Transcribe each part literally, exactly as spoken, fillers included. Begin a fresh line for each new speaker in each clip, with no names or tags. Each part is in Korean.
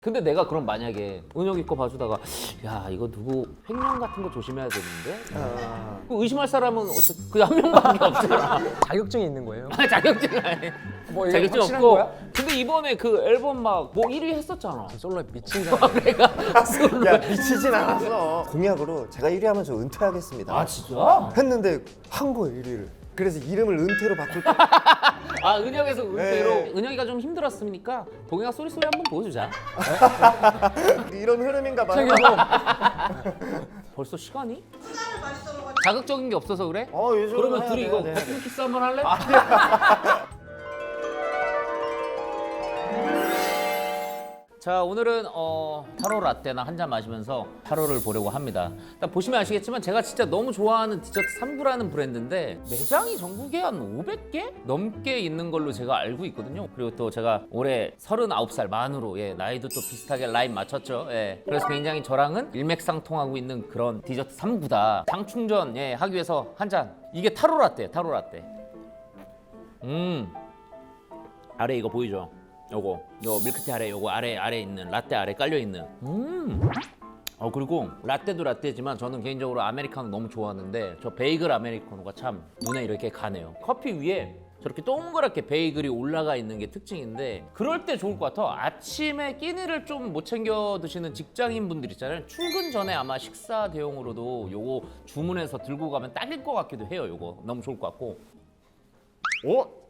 근데 내가 그럼 만약에 은혁이 거 봐주다가 야 이거 누구 횡령 같은 거 조심해야 되는데
아...
그 의심할 사람은 어쨌든 그 한 명밖에 없잖아.
자격증이 있는 거예요?
아니, 자격증 아니.
뭐 이거
자격증
확실한
없고.
거야?
근데 이번에 그 앨범 막 뭐 일 위 했었잖아.
솔로에 미친 거 아니야?
내가 솔로.
야 미치진 않았어. 공약으로 제가 일 위 하면 저 은퇴하겠습니다.
아 진짜?
했는데 한 거예요 일 위를. 그래서 이름을 은퇴로 바꿀 때
아 은혁에서 은퇴로.
네.
은혁이가 좀 힘들었으니까 동혁아 쏘리 쏘리 한번 보여주자.
이런 흐름인가 봐요.
벌써 시간이? 자극적인 게 없어서 그래?
어, 요즘
그러면
해야
둘이
돼,
이거
해야 돼, 해야
버튼 키스 한번 할래? 자 오늘은 어, 타로 라떼나 한 잔 마시면서 타로를 보려고 합니다. 일단 보시면 아시겠지만 제가 진짜 너무 좋아하는 디저트 삼 구라는 브랜드인데 매장이 전국에 한 오백 개 넘게 있는 걸로 제가 알고 있거든요. 그리고 또 제가 올해 서른아홉 살 만으로 예, 나이도 또 비슷하게 라인 맞췄죠. 예. 그래서 굉장히 저랑은 일맥상통하고 있는 그런 디저트 삼 구다. 당 충전 예, 하기 위해서 한 잔. 이게 타로 라떼, 타로 라떼. 음 아래 이거 보이죠? 요거 요 밀크티 아래 요거 아래 아래 있는 라떼 아래 깔려 있는 음. 어 그리고 라떼도 라떼지만 저는 개인적으로 아메리카노 너무 좋아하는데 저 베이글 아메리카노가 참 눈에 이렇게 가네요. 커피 위에 저렇게 동그랗게 베이글이 올라가 있는 게 특징인데 그럴 때 좋을 것 같아. 아침에 끼니를 좀 못 챙겨 드시는 직장인 분들 있잖아요. 출근 전에 아마 식사 대용으로도 요거 주문해서 들고 가면 딱일 것 같기도 해요. 요거 너무 좋을 것 같고. 오?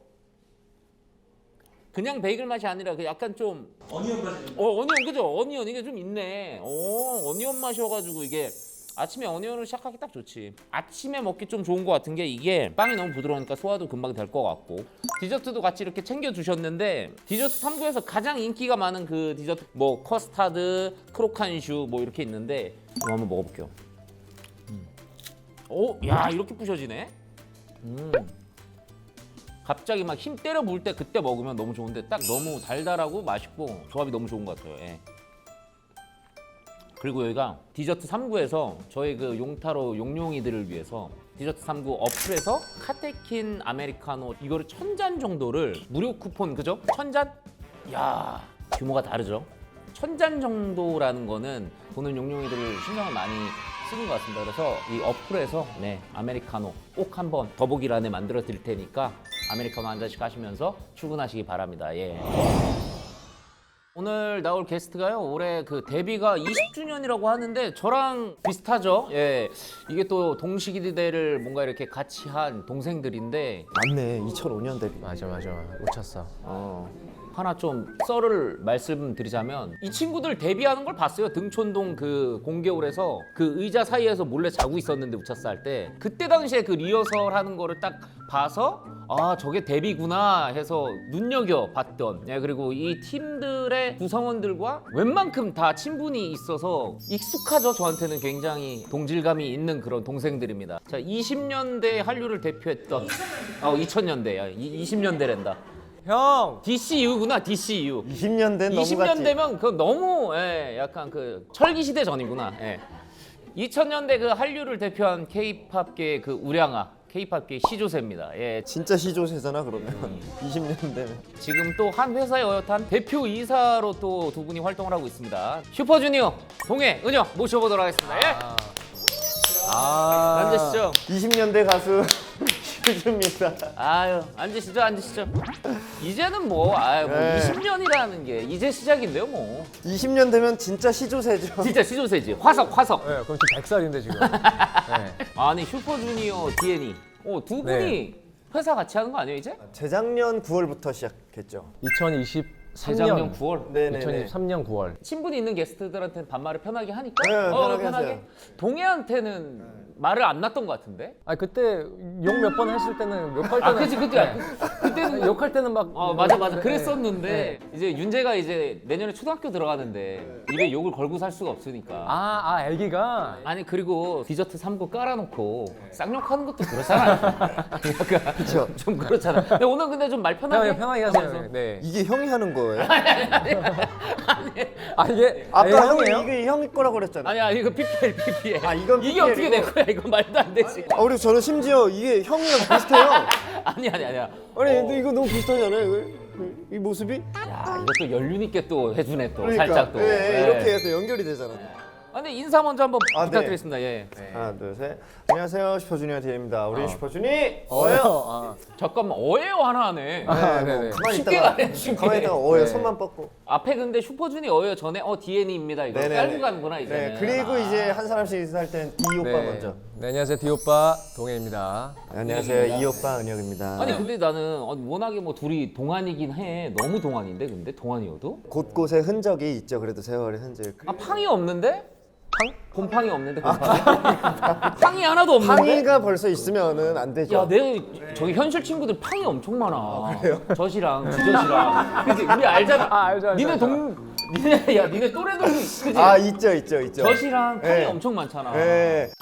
그냥 베이글 맛이 아니라 그 약간 좀 어니언 맛이 어 어니언 그죠? 어니언 이게 좀 있네. 오 어니언 맛이어가지고 이게 아침에 어니언으로 시작하기 딱 좋지. 아침에 먹기 좀 좋은 것 같은 게 이게 빵이 너무 부드러우니까 소화도 금방 될 것 같고 디저트도 같이 이렇게 챙겨 주셨는데 디저트 삼 구에서 가장 인기가 많은 그 디저트 뭐 커스타드, 크로칸슈 뭐 이렇게 있는데 이거 한번 먹어볼게요. 음. 오, 야 이렇게 부셔지네. 음. 갑자기 막 힘 때려 부을 때 그때 먹으면 너무 좋은데 딱 너무 달달하고 맛있고 조합이 너무 좋은 것 같아요. 예. 그리고 여기가 디저트 삼 구에서 저희 그 용타로 용용이들을 위해서 디저트 삼 구 어플에서 카테킨 아메리카노 이거를 천 잔 정도를 무료 쿠폰 그죠? 천 잔? 야 규모가 다르죠? 천 잔 정도라는 거는 보는 용용이들을 신경을 많이 쓰는 것 같습니다. 그래서 이 어플에서 네 아메리카노 꼭 한번 더보기란에 만들어 드릴 테니까 아메리카노 한 잔씩 하시면서 출근하시기 바랍니다. 예. 오늘 나올 게스트가요. 올해 그 데뷔가 이십 주년이라고 하는데 저랑 비슷하죠. 예. 이게 또 동시기대를 뭔가 이렇게 같이 한 동생들인데
맞네 이천오 년 데뷔.
맞아 맞아 놓쳤어.
어. 하나 좀 썰을 말씀드리자면 이 친구들 데뷔하는 걸 봤어요. 등촌동 그 공개홀에서 그 의자 사이에서 몰래 자고 있었는데 우차싸 할 때 그때 당시에 그 리허설 하는 거를 딱 봐서 아 저게 데뷔구나 해서 눈여겨봤던 예, 그리고 이 팀들의 구성원들과 웬만큼 다 친분이 있어서 익숙하죠. 저한테는 굉장히 동질감이 있는 그런 동생들입니다. 자 이십 년대 한류를 대표했던 어 이천 년대 이십 년대랜다.
형!
디씨유구나 디씨유.
이십 년 된 너무
이십 년
같지.
되면 그 너무 예, 약간 그 철기 시대 전이구나. 예. 이천 년대 그 한류를 대표한 K-팝계의 그 우량아, K-팝계 시조세입니다. 예.
진짜 시조세잖아 그러면.
음.
이십 년 되면.
지금 또 한 회사에 어엿한 대표 이사로 또 두 분이 활동을 하고 있습니다. 슈퍼주니어 동해 은혁 모셔보도록 하겠습니다. 예.
아
앉으시죠.
이십 년대 가수 슈즈입니다.
아유 앉으시죠 앉으시죠. 이제는 뭐 아유 뭐
네.
이십 년이라는 게 이제 시작인데요 뭐.
이십 년 되면 진짜 시조세죠.
진짜 시조세지. 화석 화석.
네, 그럼 지금 백 살인데 지금. 네.
아니 슈퍼주니어 디엔이 어, 두 분이
네.
회사 같이 하는 거 아니에요 이제?
재작년 구월부터 시작했죠.
이천이십삼
재작년
년
구월.
네네네.
이천이십삼 년 구월.
친분이 있는 게스트들한테는 반말을 편하게 하니까.
네,
어,
편하게 하세요.
동해한테는 말을 안 놨던 것 같은데.
아 그때 욕 몇 번 했을 때는 욕할 때는
아 그치 그때
네.
그때는
욕할 때는 막
어 맞아 맞아
네.
그랬었는데 이제 윤재가 이제 내년에 초등학교 들어가는데 입에 욕을 걸고 살 수가 없으니까.
아, 아 애기가
아니 그리고 디저트 삼 구 깔아놓고 쌍욕하는 것도 그렇잖아. 약간
그쵸.
좀 그렇잖아. 근데 오늘 근데 좀 말 편하게
편하게 편하게 하세요. 네.
이게 형이 하는 거예요?
아 이게
아까
애
형이
형이에요?
이게 형이 거라고 그랬잖아.
아니야 이거 피피엘 피피엘.
아, 이건
이게 어떻게 내
피피엘이고.
거야 이거 말도 안 되지.
아, 그리고 저는 심지어 이게 형이랑 비슷해요.
아니 아니 아니야.
아니 근데 이거 너무 비슷하잖아요. 이거. 이 모습이
야 이것도 연륜 있게 또 해주네 또
그러니까
살짝 또.
예, 예,
예.
이렇게 해서 연결이 되잖아.
아, 근데 인사 먼저 한번
아, 네.
부탁드리겠습니다. 예.
하나 둘 셋. 안녕하세요 슈퍼주니어 디입니다. 우리
어.
슈퍼주니
어요.
어요.
아,
잠깐만 어예요 하나 하네.
아,
네,
네네.
뭐 가만히
쉽게
있다가
가네, 쉽게.
가만히 있다가 어요
네.
손만 뻗고.
앞에 근데 슈퍼주니 어예요 전에 어 디엔이입니다 이거
네네네.
깔고 가는구나 이제.
네 그리고 이제 한 사람씩 인사할 땐 디 오빠
네.
먼저.
네, 안녕하세요. 디 오빠 동해입니다.
안녕하세요 이 오빠 은혁입니다.
아니 근데 나는 어, 워낙에 뭐 둘이 동안이긴 해. 너무 동안인데 근데 동안이어도?
곳곳에 흔적이 있죠. 그래도 세월의 흔적.
아 팡이 없는데? 팡? 곰팡이 없는데 곰팡이? 팡이 하나도 없는데?
팡이가 벌써 있으면은 안 되죠.
야, 내 저기 현실 친구들 팡이 엄청 많아. 젖이랑 주젖이랑. 그치? 우리 알잖아.
아, 알죠, 알죠,
니네
알죠.
동, 니네 야, 니네 또래들도 그지?
아 있죠 있죠 있죠.
젖이랑 팡이
네.
엄청 많잖아.
네.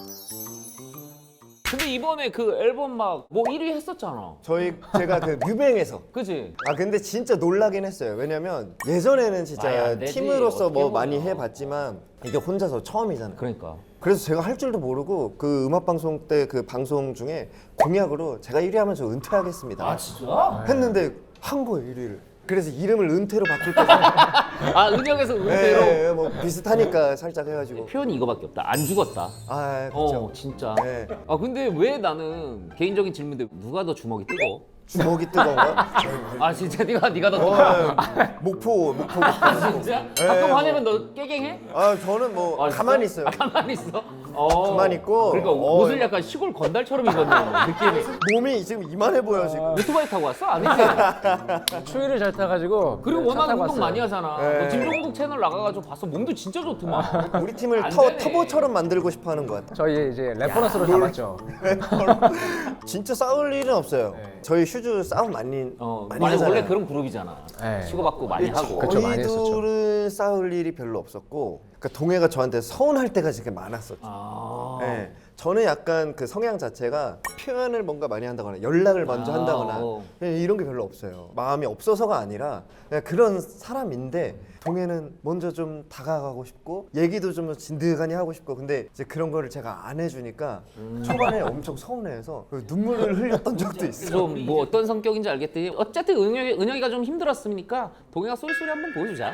근데 이번에 그 앨범 막 뭐 일 위 했었잖아.
저희 제가 그 뮤뱅에서
그지?
아 근데 진짜 놀라긴 했어요. 왜냐면 예전에는
말이
진짜
안 되지.
팀으로서
어떻게
뭐
보면.
많이 해봤지만 이게 혼자서 처음이잖아요.
그러니까.
그래서 제가 할 줄도 모르고 그 음악 방송 때 그 방송 중에 공약으로 제가 일 위 하면 저 은퇴하겠습니다.
아 진짜?
했는데 한 거예요 일 위를. 그래서 이름을 은퇴로 바꿀 거죠.
아 은혁에서 은퇴로
네, 뭐 비슷하니까 살짝 해가지고.
표현이 이거밖에 없다. 안 죽었다.
아 그렇죠.
어 진짜.
네.
아 근데 왜 나는 개인적인 질문인데 누가 더 주먹이 뜨거?
주먹이 뜨거운가?
아 진짜 네가 네가 더 뜨거?
어, 목포 목포 목포.
진짜?
네,
가끔
뭐.
화내면 너 깨갱해?
아 저는 뭐
아, 진짜?
가만히 있어요.
아, 가만히 있어? 어.
가만히 있고.
그러니까
어.
옷을 약간 시골 건달처럼 입었네 느낌이.
몸이 지금 이만해 보여 지금.
오토바이 타고 왔어? 아니지?
추위를 잘 타가지고.
그리고
네,
워낙
차 타고
운동
왔어요.
많이 하잖아.
네.
너 김종국 채널 나가가지고 봤어. 몸도 진짜 좋더만.
우리 팀을
안
터,
되네.
터보처럼 만들고 싶어하는 것 같아.
저희 이제 래퍼너스로 잡았죠.
진짜 싸울 일은 없어요.
네.
저희 슈즈 싸움 많이
어,
많이
원래,
하잖아요.
원래 그런 그룹이잖아.
네.
치고받고 많이 하고.
그쵸, 많이 했었죠.
저희들은 싸울 일이 별로 없었고, 그러니까 동해가 저한테 서운할 때가 되게 많았었죠.
아.
네. 저는 약간 그 성향 자체가 표현을 뭔가 많이 한다거나 연락을 먼저
아,
한다거나
어.
그냥 이런 게 별로 없어요. 마음이 없어서가 아니라 그냥 그런 사람인데 동해는 먼저 좀 다가가고 싶고 얘기도 좀 진득하니 하고 싶고 근데 이제 그런 거를 제가 안 해주니까
음.
초반에 엄청 서운해해서 눈물을 흘렸던 적도 있어요.
좀 뭐 어떤 성격인지 알겠더니 어쨌든 은혁이, 은혁이가 좀 힘들었으니까 동해가 쏠쏠이 한번 보여주자.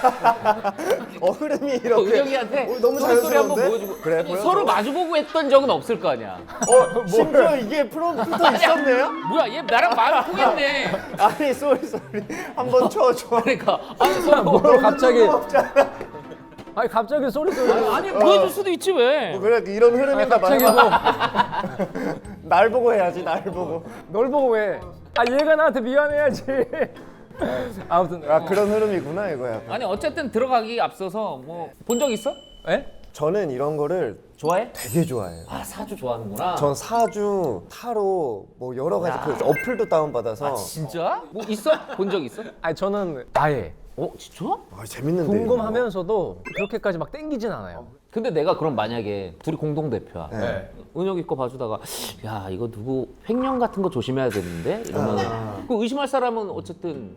어 흐름이 이렇게
은혁이한테
어, 너무
쏠쏠이 한번
자연스러운데?
보여주고.
그래,
아니,
보여줘.
서로 마주보고 했던 적은 없을 거 아니야.
어 심지어 이게 프롬프터 있었네요?
뭐야 얘 나랑 마음 통했네.
아니 쏘리 쏘리 한번 쳐줘.
그러니까 아니 서로
뭘 갑자기.
없잖아.
아니 갑자기 소리 소리.
아니 보여줄 수도 있지 왜?
뭐 그래 이런 흐름인가
갑자기
봐.
뭐.
날 보고 해야지 날 보고.
널 보고 왜? 아 얘가 나한테 미안해야지. 아무튼.
아 그런 흐름이구나 이거야.
아니 어쨌든 들어가기 앞서서 뭐 본 적 있어?
에?
저는 이런 거를
좋아해?
되게 좋아해요.
아 사주 좋아하는구나.
전 사주, 타로 뭐 여러 가지 그 어플도 다운 받아서.
아 진짜? 뭐 있어? 본 적 있어?
아니 저는 아예
어 진짜?
아, 재밌는데.
궁금하면서도 그렇게까지 막 땡기진 않아요.
근데 내가 그럼 만약에 둘이 공동 대표야.
이거. 네.
은혁이 거 봐주다가 야 이거 누구 횡령 같은 거 조심해야 되는데 이러면
아.
그 의심할 사람은 어쨌든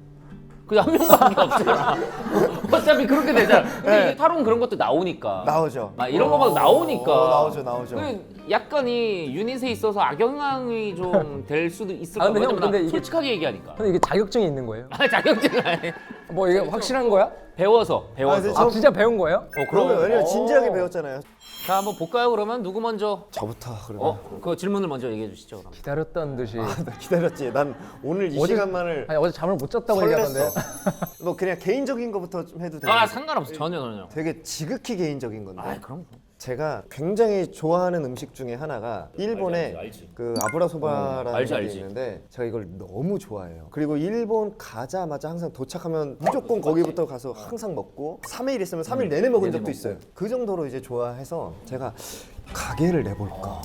그냥 한 명밖에 없잖아. 어차피 그렇게 되잖아. 근데
네.
이게 타로는 그런 것도 나오니까.
나오죠.
막 이런 거 막 나오니까.
어, 나오죠, 나오죠.
그 약간 이 유닛에 있어서 악영향이 좀 될 수도 있을
아,
것
근데 형,
같아.
근데 이게-
솔직하게 얘기하니까.
근데 이게 자격증이 있는 거예요?
아 자격증 아니.
뭐 이게 확실한 거야?
배워서 배워서.
근데
아
저-
진짜 배운 거예요?
어
그러면 왜냐면
어.
진지하게 배웠잖아요.
자 한번 볼까요 그러면 누구 먼저?
저부터 그러면.
어 그 질문을 먼저 얘기해 주시죠. 그럼.
기다렸던 듯이.
나 기다렸지. 난 오늘 이
어제-
시간만을
아니 어제 잠을 못 잤다고
설렜어.
얘기하던데.
뭐 그냥 개인적인 거부터 좀 해도 돼요.
아 상관없어 전혀 전혀.
되게 지극히 개인적인 건데.
아 그럼.
제가 굉장히 좋아하는 음식 중에 하나가 일본의
알지, 알지, 알지.
그 아브라소바라는
어, 알지,
게
알지.
있는데 제가 이걸 너무 좋아해요. 그리고 일본 가자마자 항상 도착하면 무조건 거기부터 가서 항상 먹고 삼 일 있으면 삼 일 내내 먹은
내내
적도
먹고.
있어요. 그 정도로 이제 좋아해서 제가 가게를 내볼까.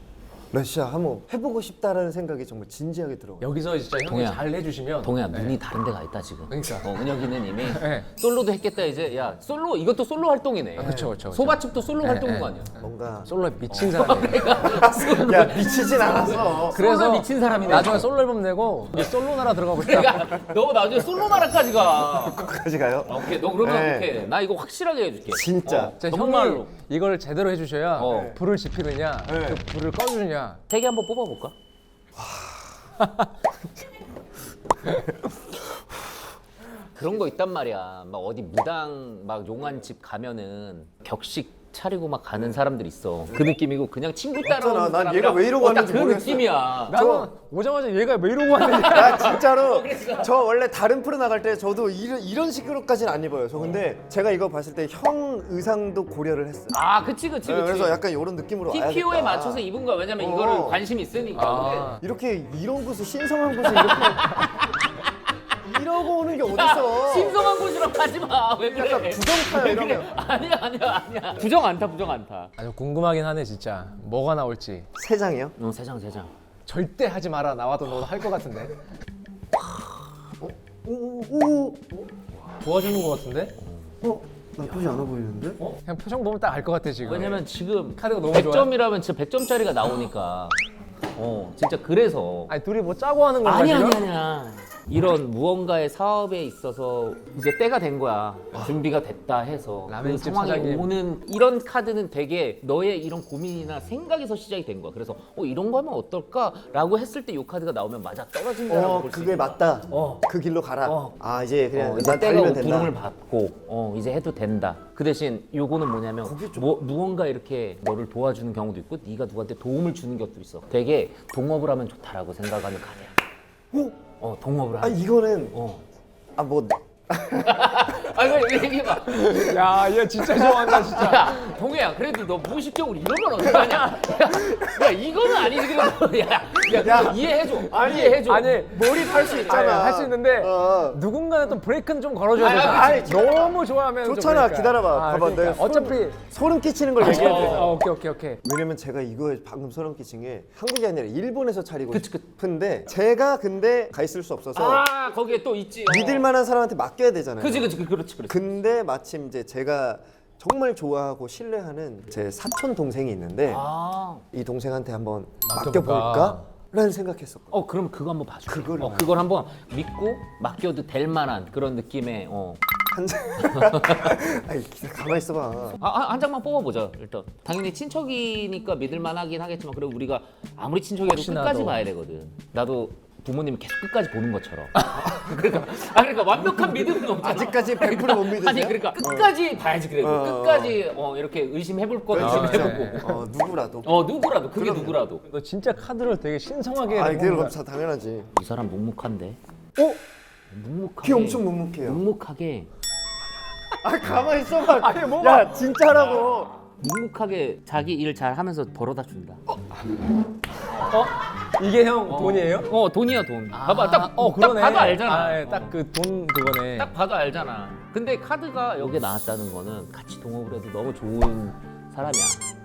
러시아 한번 해보고 싶다라는 생각이 정말 진지하게 들어요.
여기서 진짜 형이
동해야.
잘 해주시면.
동해야 눈이 다른 데가 있다 지금.
그러니까.
어, 은혁이는 이미
네.
솔로도 했겠다 이제. 야 솔로 이것도 솔로 활동이네.
아, 그쵸, 그쵸, 그쵸.
소바집도 솔로
네,
활동인
네.
거 아니야?
뭔가
솔로에 미친 사람이에요.
야 미치진 않았어.
그래서
그래서
미친 사람이네.
나중에 솔로 앨범 내고 이제 솔로 나라 들어가고 싶다.
그러니까 너 나중에 솔로 나라까지 가.
거기까지 가요?
아, 오케이 너 그러면
네.
오케이 나 이거 확실하게 해줄게.
진짜.
어,
진짜
정말로.
형이 이걸 제대로 해주셔야
어.
불을 지피느냐,
네.
그 불을 꺼주느냐.
세 개 한번 뽑아볼까? 그런 거 있단 말이야. 막 어디 무당 막 용안집 가면은 격식 차리고 막 가는 사람들 있어. 그 느낌이고 그냥 친구 따라오는
맞잖아. 난
사람이랑
얘가 왜 이러고
어, 딱
왔는지
그
모르겠어.
느낌이야.
나는 오자마자 얘가 왜 이러고 왔는지.
나 진짜로 저 원래 다른 프로 나갈 때 저도 이런, 이런 식으로까지는 안 입어요. 저 근데 제가 이거 봤을 때 형 의상도 고려를 했어요.
아, 그치 그치
네,
그치.
그래서 약간 이런 느낌으로 와야겠다.
티피오에 맞춰서 입은 거야. 왜냐면
어.
이거를 관심이 있으니까.
아.
이렇게 이런 곳에 신성한 곳에 이렇게 이러고 오는 게 어딨어?
신성한 곳이라고 하지 마. 왜 그래?
약간 부정 타요,
왜
이러면.
그래? 아니야 아니야 아니야. 부정 안 타, 부정 안 타.
아주 궁금하긴 하네 진짜. 뭐가 나올지.
세 장이요?
응, 세장 세장.
절대 하지 마라. 나와도 너도 할 것 같은데.
오오오
도와주는 것 같은데?
어? 나쁘지 않아 보이는데?
그냥 표정 보면 딱 알 것 같아 지금.
왜냐면 지금
카드가 너무
백
좋아요.
점이라면 진짜 백 점짜리가 나오니까. 어, 진짜 그래서.
아니 둘이 뭐 짜고 하는 건가
아니
지금?
아니 아니야. 이런 무언가의 사업에 있어서 이제 때가 된 거야. 준비가 됐다 해서 그
라면집
상황이
사장님.
오는 이런 카드는 되게 너의 이런 고민이나 생각에서 시작이 된 거야. 그래서 어 이런 거 하면 어떨까라고 했을 때 이 카드가 나오면 맞아 떨어진다라고
어
볼 수
그게
있어.
맞다.
어.
그 길로 가라.
어.
아 이제 그냥
어, 이제
난
때가
달리면
오고
된다.
부름을 받고 어 이제 해도 된다. 그 대신 요거는 뭐냐면 뭐, 무언가 이렇게 너를 도와주는 경우도 있고 네가 누구한테 도움을 주는 것도 있어. 되게 동업을 하면 좋다라고 생각하는 카드야.
어?
어 동업을
아
하면.
이거는
어.
아 뭐
아니 왜 얘기해봐.
야, 얘 진짜 좋아한다 진짜.
야 동해야 그래도 너 무의식적으로 이러면 어떡하냐. 야, 야 이거는 아니지 그래도. 야, 야,
야.
이해해줘. 이해해줘.
아니
몰입할 수 있잖아.
할 수 있는데
어.
누군가는 또 브레이크는 좀 걸어줘야
아니,
되잖아.
아니, 진짜.
너무 좋아하면 좀
좋잖아.
그러니까.
기다려봐.
아,
봐봐.
그러니까.
내가
어차피
소름 끼치는 걸 얘기해야 돼.
어, 오케이 오케이 오케이.
왜냐면 제가 이거에 방금 소름 끼친 게 한국이 아니라 일본에서 차리고
그치, 그치.
싶은데 제가 근데 가 있을 수 없어서
아 거기에 또 있지. 어.
믿을 만한 사람한테 맡겨야 되잖아요.
그치 그치 그렇지 그렇지.
근데 마침 이제 제가 정말 좋아하고 신뢰하는 제 사촌 동생이 있는데
아.
이 동생한테 한번
맡겨볼까?
맡겨볼까? 라는 생각했었거든요.
어 그럼 그거 한번 봐줘.
그걸
어, 그걸 한번 믿고 맡겨도 될 만한 그런 느낌의 어.
한 장. 아니 기다 가만 있어봐.
아, 한- 한 장만 뽑아보자 일단. 당연히 친척이니까 믿을 만하긴 하겠지만 그래도 우리가 아무리 친척이라도
혹시나
끝까지
또.
봐야 되거든. 나도 부모님이 계속 끝까지 보는 것처럼. 그러니까 아 그러니까 완벽한 믿음은 없잖아.
아직까지 백 퍼센트 못 믿으세요?
아니 그러니까 끝까지 봐야지 그래도.
어.
끝까지 어, 이렇게 의심해볼 거
그렇죠,
의심해보고.
어 누구라도.
어 누구라도 그게 누구라도.
너 진짜 카드를 되게 신성하게.
아니
해놓은
그럼
거야.
다 당연하지.
이 사람 묵묵한데.
어?
묵묵하게.
귀 엄청 묵묵해요.
묵묵하게.
아 가만 있어봐.
아니, 뭐가-
야 진짜라고.
묵묵하게 자기 일 잘 하면서 벌어다 준다.
어? 이게 형 돈이에요?
어 돈이야 돈. 봐봐 딱,
어 그러네.
딱 봐도 알잖아.
아, 딱 그 돈 그거네.
딱 봐도 알잖아. 근데 카드가 여기에 나왔다는 거는 같이 동업을 해도 너무 좋은 사람이야.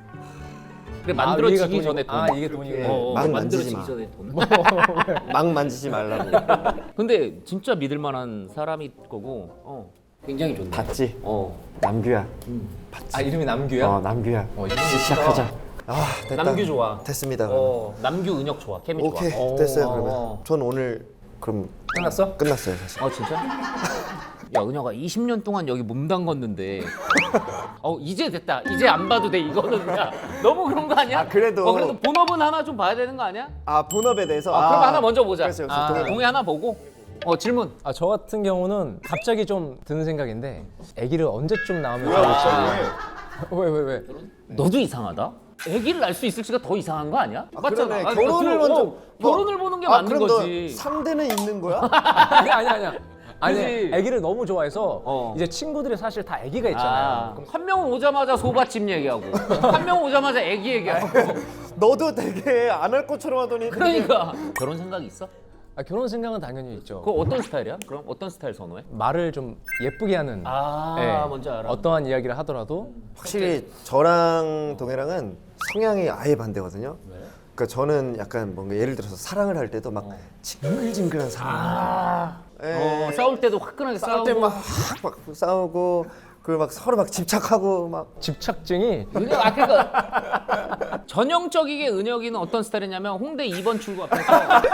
그래 만들어지기
아, 위에가
전에
돈이고.
돈.
아 이게 돈이고.
어, 어,
막
만들어지기
만지지
전에 돈.
막 만지지 말라고.
근데 진짜 믿을 만한 사람일 거고. 어. 굉장히 좋네.
봤지?
어.
남규야.
아 이름이 남규야?
어 남규야.
어,
이제 시작하자. 아 됐다.
남규 좋아.
됐습니다. 그러면.
어. 남규 은혁 좋아. 케미
오케이
좋아. 어.
됐어요
어.
그러면. 전 오늘 그럼
끝났어?
끝났어요 사실.
어 진짜? 야 은혁아 이십 년 동안 여기 몸 담궜는데 어 이제 됐다 이제 안 봐도 돼 이거는 야 너무 그런 거 아니야?
아, 그래도-
어 그래도 본업은 하나 좀 봐야 되는 거 아니야?
아 본업에 대해서.
아, 그럼 하나 먼저 보자.
그렇죠, 그렇죠.
아,
동의.
동의 하나 보고 어 질문.
아 저 같은 경우는 갑자기 좀 드는 생각인데 아기를 언제쯤 낳으면
아.
좋을지. 왜 왜 왜?
너도 이상하다. 아기를 낳을 수 있을지가 더 이상한 거 아니야?
아,
맞잖아.
그러네.
아니,
결혼을
그,
먼저
어, 결혼을 보는 게
아,
맞는
그럼
거지.
너 상대는 있는 거야?
아니 아니 아니야. 아니
그지?
아기를 너무 좋아해서
어.
이제 친구들이 사실 다 아기가 있잖아요.
아, 한 명은 오자마자 소밭집 얘기하고 한 명은 오자마자 아기 얘기하고
너도 되게 안 할 것처럼 하더니.
그러니까 결혼 생각이 있어?
아, 결혼 생각은 당연히 있죠.
그거 어떤 스타일이야? 그럼 어떤 스타일 선호해?
말을 좀 예쁘게 하는.
아
예.
뭔지 알아.
어떠한 이야기를 하더라도
확실히 저랑 동해랑은 성향이 아예 반대거든요. 그러니까 저는 약간 뭔가 예를 들어서 사랑을 할 때도 막 징글징글한 사랑.
아,
예.
어, 싸울 때도 화끈하게
싸울
싸우고.
때막 막 싸우고 그리고 막 서로 막 집착하고 막
집착증이
은혁 아 그러니까 전형적이게 은혁이는 어떤 스타일이냐면 홍대 이 번 출구 앞에서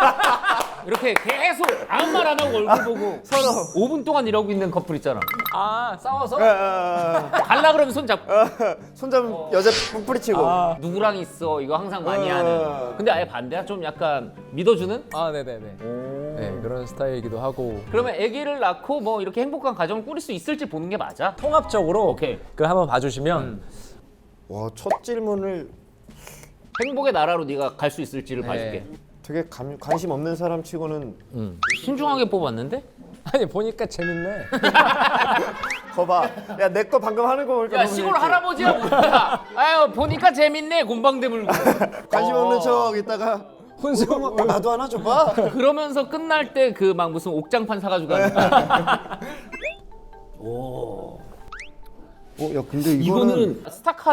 이렇게 계속 아무 말 안 하고 얼굴 보고
서로
오 분 동안 이러고 있는 커플 있잖아.
아 싸워서
아,
갈라 그러면 손 잡고
아, 손잡 여자 뿌리치고
누구랑 있어 이거 항상 많이
어.
하는. 근데 아예 반대야? 좀 약간 믿어주는?
아 네네네.
오.
네. 네, 그런 스타일이기도 하고
그러면 아기를 낳고 뭐 이렇게 행복한 가정을 꾸릴 수 있을지 보는 게 맞아?
통합적으로
오케이.
그 한번 봐주시면
음.
와, 첫 질문을
행복의 나라로 네가 갈 수 있을지를
네.
봐줄게.
되게 감, 관심 없는 사람 치고는
음. 신중하게 뽑았는데?
아니 보니까 재밌네.
거봐. 야, 내 거 방금 하는 거 보니까
야
너무
시골
재밌지?
할아버지야 뭐야? 아유 보니까 재밌네 곤방대 물고.
관심
어.
없는 척 있다가
혼수.
어, 나도 하나 줘봐.
그러면서 끝날 때 그 막 무슨 옥장판 사가지고 가는 거야. 오.
어, 야, 근데 이거는,
이거는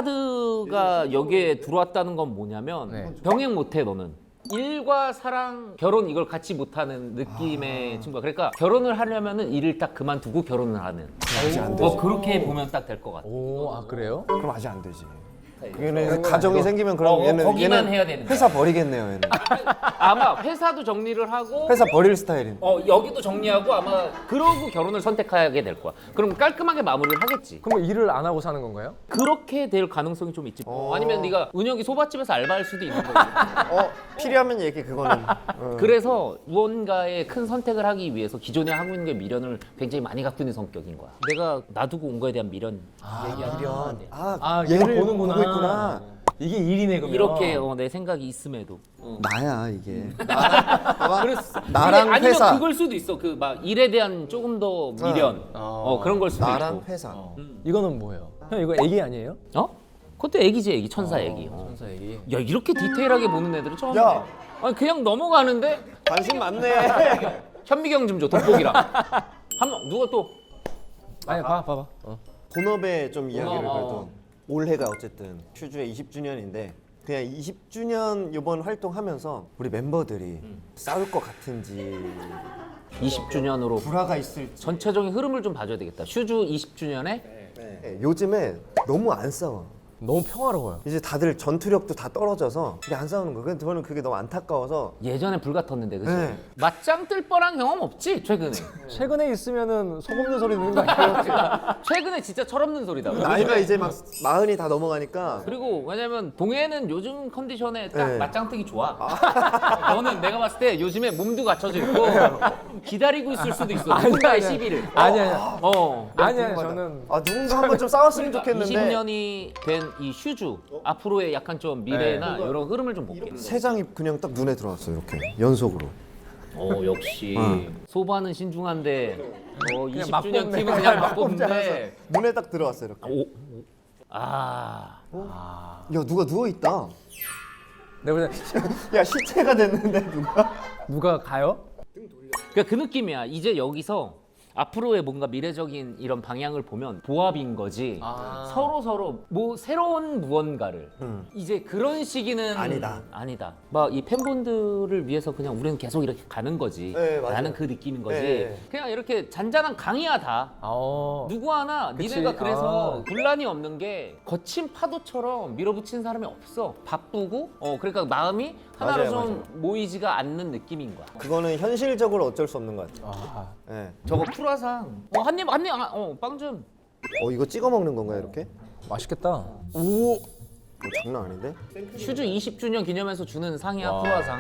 스타카드가 여기에 들어왔다는 건 뭐냐면
네.
병행 못해 너는. 일과 사랑, 결혼 이걸 같이 못하는 느낌의 친구야. 그러니까 결혼을 하려면은 일을 딱 그만두고 결혼을 하는.
아직 안 되지.
뭐 그렇게 보면 딱 될 것 같아.
오, 아 그래요?
그럼 아직 안 되지. 얘는 가정이 생기면 그럼
어,
얘는
거기만
얘는
해야 되는 거야.
회사 버리겠네요. 얘는
아마 회사도 정리를 하고
회사 버릴 스타일인.
어 여기도 정리하고 아마 그러고 결혼을 선택하게 될 거야. 그럼 깔끔하게 마무리를 하겠지.
그럼 뭐 일을 안 하고 사는 건가요?
그렇게 될 가능성이 좀 있지.
어.
아니면 네가 은혁이 소밭집에서 알바할 수도 있는 거지.
어, 필요하면 얘기 그거는. 어.
그래서 무언가의 큰 선택을 하기 위해서 기존에 하고 있는 게 미련을 굉장히 많이 갖고 있는 성격인 거야. 내가 놔두고 온 거에 대한 미련.
미련. 아,
아,
얘를
얘를 보는구나.
보고 있구나.
이게 일이네 그러면.
이렇게 어, 내 생각이 있음에도.
나야 이게. 나,
그랬어.
나랑
이게 아니면
회사.
그걸 수도 있어. 그 막 일에 대한 조금 더 미련. 어, 그런 걸 수도
나랑
있고.
회사.
이거는 뭐예요? 형 이거 애기 아니에요?
어? 그것도 애기지 애기 천사 애기. 어.
천사 애기.
야 이렇게 디테일하게 보는 애들은 처음이야.
야.
아니 그냥 넘어가는데
관심 많네.
현미경 좀 줘 돋보기랑. 한번 누가 또
아니 봐 봐봐. 어.
본업에 좀 이야기를
어, 어.
그래도 올해가 어쨌든 슈즈의 이십 주년인데 그냥 이십 주년 이번 활동하면서 우리 멤버들이 싸울 것 같은지
이십 주년으로
불화가 있을지.
전체적인 흐름을 좀 봐줘야 되겠다. 슈즈 이십 주년에
네, 요즘에 너무 안 싸워.
너무 평화로워요.
이제 다들 전투력도 다 떨어져서 이게 안 싸우는 거예요. 근데 저는 그게 너무 안타까워서
예전에 불같았는데 그치?
네.
맞짱 뜰 뻔한 경험 없지 최근에.
최근에 있으면은 속 없는 소리 듣는 거 아니에요?
최근에 진짜 철없는 소리다.
나이가 이제 막 마흔이 다 넘어가니까
그리고 왜냐면 동해는 요즘 컨디션에 딱
네.
맞짱 뜨기 좋아. 너는 내가 봤을 때 요즘에 몸도 갖춰져 있고 기다리고 있을 수도 있어.
아니야,
누군가의
아니야.
시비를.
아니 아니.
어.
아니 아니 저는
아 누군가 한번 좀 싸웠으면 좋겠는데
이십 년이 된 이 슈즈 앞으로의 약간 좀 미래나 이런 흐름을 좀 볼게.
세 장이 그냥 딱 눈에 들어왔어 이렇게 연속으로.
어 역시 소바는 신중한데 어 이십
막
주년
뽑네.
팀은 그냥 막 뽑는데.
눈에 딱 들어왔어 이렇게.
오. 아.
야 누가 누워 있다.
내가 볼 때
야 시체가 됐는데 누가?
누가 가요?
그러니까 그 느낌이야. 이제 여기서 앞으로의 뭔가 미래적인 이런 방향을 보면 보합인 거지.
아.
서로 서로 뭐 새로운 무언가를 이제 그런 시기는
아니다.
아니다. 막 이 팬분들을 위해서 그냥 우리는 계속 이렇게 가는 거지.
네, 맞아요.
나는 그 느낌인 거지.
네.
그냥 이렇게 잔잔한 강이야 다.
어.
누구 하나
그치.
니네가 그래서
아.
분란이 없는 게 거친 파도처럼 밀어붙이는 사람이 없어. 바쁘고 어 그러니까 마음이 하나로
맞아요,
좀 모이지가 않는 느낌인 거야.
그거는 현실적으로 어쩔 수 없는 것 같아.
아.
예.
저거 프라상. 어, 한 입, 한 입, 아, 어, 빵 좀.
어 이거 찍어 먹는 건가요 이렇게?
맛있겠다.
오. 어, 장난 아닌데?
슈즈 이십 주년 기념해서 주는 상이야,
와.
프라상.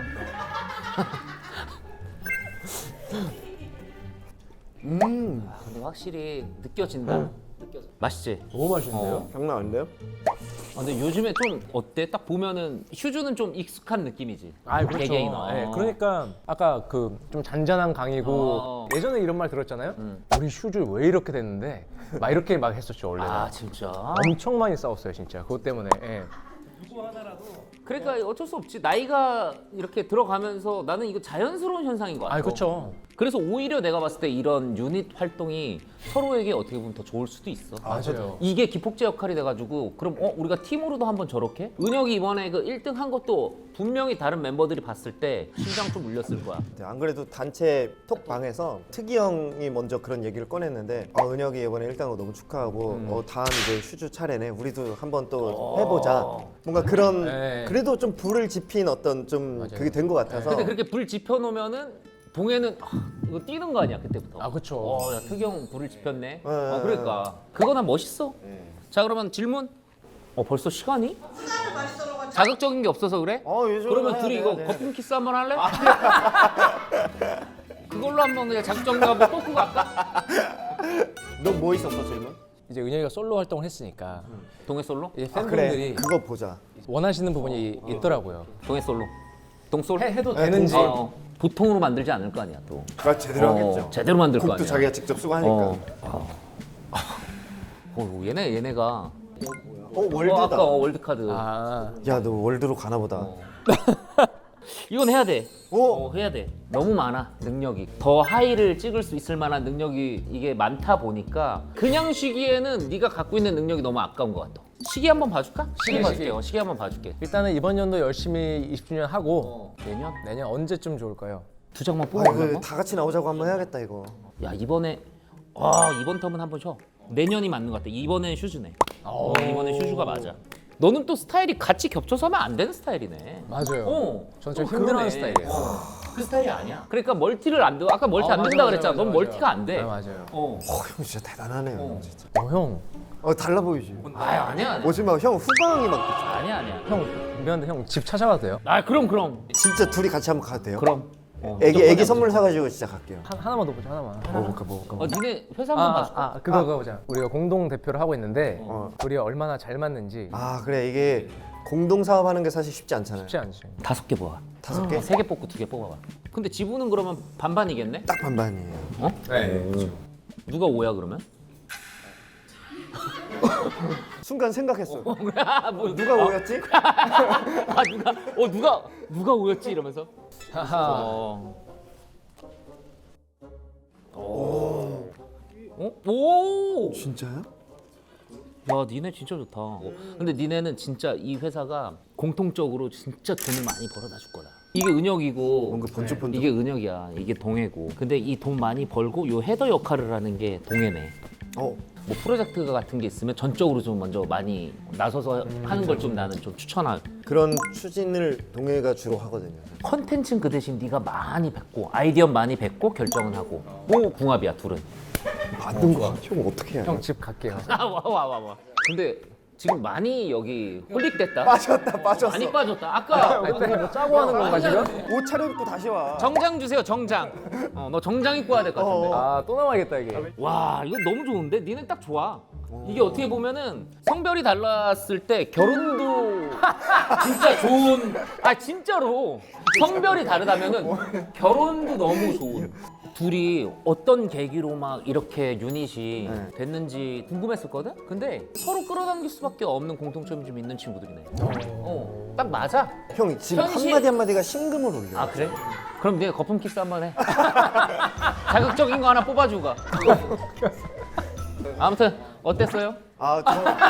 음.
아, 근데 확실히 느껴진다. 느껴져. 맛있지?
너무 맛있는데요?
어.
장난 아닌데요?
아, 근데 요즘에 좀 어때? 딱 보면은 슈즈는 좀 익숙한 느낌이지.
아 그렇죠.
개개인. 어.
네, 그러니까 아까 그 좀 잔잔한 강이고
어.
예전에 이런 말 들었잖아요.
음.
우리 슈즈 왜 이렇게 됐는데 막 이렇게 막 했었죠 원래는.
아, 진짜?
엄청 많이 싸웠어요 진짜 그것 때문에. 예.
그러니까 어쩔 수 없지. 나이가 이렇게 들어가면서 나는 이거 자연스러운 현상인 것 같아.
아 그렇죠.
그래서 오히려 내가 봤을 때 이런 유닛 활동이 서로에게 어떻게 보면 더 좋을 수도 있어.
맞아요.
이게 기폭제 역할이 돼가지고 그럼 어 우리가 팀으로도 한번 저렇게? 은혁이 이번에 그 일 등 한 것도 분명히 다른 멤버들이 봤을 때 심장 좀 울렸을 거야.
네, 안 그래도 단체 톡방에서 특이 형이 먼저 그런 얘기를 꺼냈는데 어, 은혁이 이번에 일 등한 거 너무 축하하고
음.
어, 다음 이제 슈즈 차례네 우리도 한번 또
어.
해보자 뭔가 그런
네.
그래도 좀 불을 지핀 어떤 좀
맞아요.
그게 된 것 같아서
근데 그렇게 불 지펴놓으면은 동해는 아, 이거 뛰는 거 아니야 그때부터.
아 그렇죠.
어, 야, 특이 형 불을 지폈네.
네.
어, 그러니까 그거나 멋있어.
네.
자 그러면 질문. 어 벌써 시간이? 자극적인 게 없어서 그래?
어, 요즘
그러면
해야
둘이
돼,
이거
해야 돼.
거품 키스 한번 할래? 그 그걸로 한번 그냥 작정가 한번 뽑고 갈까?
너 뭐 있었어 질문?
이제 은혁이가 솔로 활동을 했으니까
동해 솔로?
이제
아 그래
팬분들이
그거 보자.
원하시는 부분이 있더라고요.
동해 솔로. 동솔?
해, 해도
네,
되는지.
동솔.
어, 보통으로 만들지 않을 거 아니야 또.
그거 제대로
어,
하겠죠.
제대로 만들 거
곡도
아니야.
자기가 직접 쓰고 하니까.
어.
어,
어, 얘네 얘네가 어,
월드다.
아까 어, 월드 카드.
아,
야 너 월드로 가나 보다.
어. 이건 해야 돼.
오!
어, 해야 돼. 너무 많아 능력이. 더 하이를 찍을 수 있을 만한 능력이 이게 많다 보니까 그냥 쉬기에는 네가 갖고 있는 능력이 너무 아까운 것 같아. 시기 한번 봐줄까? 시기
시기,
봐줄게.
시기.
어, 시기 한번 봐줄게.
일단은 이번 연도 열심히 이십 주년 하고
어, 내년
내년 언제쯤 좋을까요?
두 장만
아,
뽑아볼까?
이거 다 같이 나오자고 한번 해야겠다 이거.
야 이번에 아 이번 텀은 한번 쉬어. 내년이 맞는 것 같아. 이번엔 슈즈네. 어, 이번엔 슈즈가 맞아. 너는 또 스타일이 같이 겹쳐서 하면 안 되는 스타일이네.
맞아요.
어,
저는 좀
또
힘들어하는
그러네.
스타일이에요.
어, 그 스타일이 아니야. 그러니까 멀티를 안 돼. 아까 멀티
아,
안
맞아,
된다
맞아,
그랬잖아.
맞아,
넌
맞아.
멀티가 안 돼.
네, 맞아요.
어.
어, 형 진짜 대단하네요.
어.
진짜.
어, 형,
어 달라 보이지.
아 아니야 아니야.
오지 마, 형 후광이 막.
아니야 아니야.
형 미안한데 형 집 찾아가도 돼요?
아 그럼 그럼
진짜 둘이 같이 한번 가도 돼요?
그럼. 어,
애기
무조건
애기
해야
선물 사가지고 진짜 갈게요.
한, 하나만 더 보자, 하나만.
먹을까 먹을까.
어,
먹을까.
니네 회사 한번
아,
봐줄까?
아, 그거 그거 보자. 우리가 공동 대표를 하고 있는데
어.
우리가 얼마나 잘 맞는지
아 그래 이게 공동 사업하는 게 사실 쉽지 않잖아요.
쉽지 않지.
다섯 개 뽑아.
다섯 개?
세 개 뽑고 두 개 뽑아봐. 근데 지분은 그러면 반반이겠네?
딱 반반이에요.
어?
네.
누가 오야 그러면?
순간 생각했어.
뭐,
누가 오였지?
아 누가 어 누가 누가 오였지 이러면서.
하하.
어. 오. 어? 오.
진짜요?
야, 니네 진짜 좋다. 근데 니네는 진짜 이 회사가 공통적으로 진짜 돈을 많이 벌어다 줄 거다. 이게 은혁이고
뭔가 번쩍번쩍.
이게 은혁이야. 이게 동해고. 근데 이 돈 많이 벌고 요 헤더 역할을 하는 게 동해네.
어.
뭐 프로젝트 같은 게 있으면 전적으로 좀 먼저 많이 나서서 하는 걸 좀 나는 좀 추천할.
그런 추진을 동해가 주로 하거든요.
컨텐츠는 그 대신 네가 많이 뱉고 아이디어 많이 뱉고 결정은 하고. 뭐 궁합이야 둘은.
만든 거. 형 어떻게 해요?
형 집 갈게요.
아 와 와 와 와. 근데 지금 많이 여기 홀릭됐다.
빠졌다 빠졌어.
많이 빠졌다. 아까
그때 뭐 짜고 하는 건가 지금?
옷 차려입고 다시 와.
정장 주세요 정장. 어, 너 정장 입고 와야 될 것 같은데.
아, 또 나와야겠다 이게.
와 이거 너무 좋은데? 니는 딱 좋아. 이게 어떻게 보면은 성별이 달랐을 때 결혼도 진짜 좋은. 아 진짜로 성별이 다르다면은 결혼도 너무 좋은. 둘이 어떤 계기로 막 이렇게 유닛이
네.
됐는지 궁금했었거든? 근데 서로 끌어당길 수밖에 없는 공통점이 좀 있는 친구들이네. 어, 딱 맞아.
형 지금
현실-
한마디 한마디가 신금을 올려.
아 그래? 그럼 네가 거품 키스 한번 해. 자극적인 거 하나 뽑아주고 가. 아무튼 어땠어요?
아,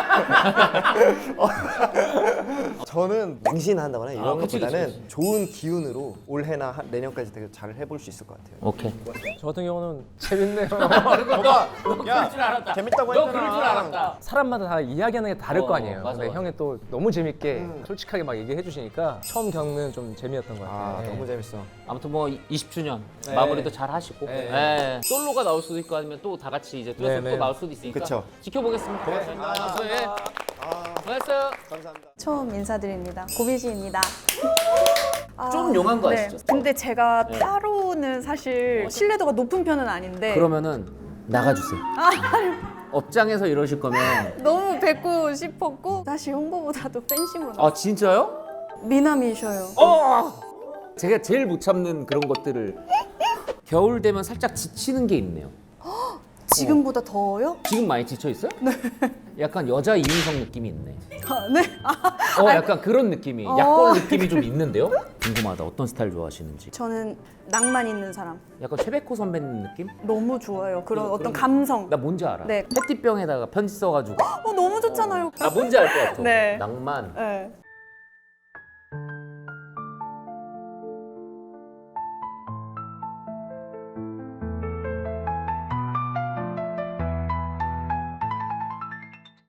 저... 저는 맹신한다거나 이런
아, 그치,
것보다는
그치, 그치.
좋은 기운으로 올해나 한- 내년까지 되게 잘 해볼 수 있을 것 같아요.
오케이.
저 같은 경우는 재밌네요.
오빠,
너 그럴 줄 알았다.
재밌다고
너
했잖아.
그럴 줄 알았다.
사람마다 다 이야기하는 게 다를
어,
거 아니에요.
맞아,
근데
맞아.
형이 또 너무 재밌게 솔직하게 막 얘기해 주시니까 처음 겪는 좀 재미였던 것 같아요.
아,
네.
너무 재밌어.
아무튼 뭐 이십 주년
네.
마무리도 잘 하시고
네.
예. 솔로가 나올 수도 있고 아니면 또 다 같이 이제 듀엣으로
네, 네.
또 나올 수도 있으니까
그쵸.
지켜보겠습니다. 고맙습니다. 예.
아,
고맙어요.
감사합니다.
처음 인사드립니다. 고비지입니다. 아,
좀 용한 거 아시죠?
근데 제가
네.
타로는 사실 신뢰도가 높은 편은 아닌데
그러면은 나가주세요. 업장에서 이러실 거면
너무 뵙고 싶었고 사실 홍보보다도 팬심으로
아 진짜요?
미남이셔요.
어! 제가 제일 못 참는 그런 것들을 겨울 되면 살짝 지치는 게 있네요.
지금보다 더워요?
지금 많이 지쳐 있어요? 네. 약간 여자 이윤석 느낌이 있네.
아, 네. 아,
어, 약간 그런 느낌이,
어.
약골 느낌이 좀 있는데요? 궁금하다. 어떤 스타일 좋아하시는지.
저는 낭만 있는 사람
약간 최백호 선배님 느낌?
너무 좋아요. 그런
그래서
어떤
그런-
감성.
나 뭔지 알아.
네.
페티병에다가 편지 써가지고.
어 너무 좋잖아요.
나 뭔지 알 것 같아.
네.
낭만.
네.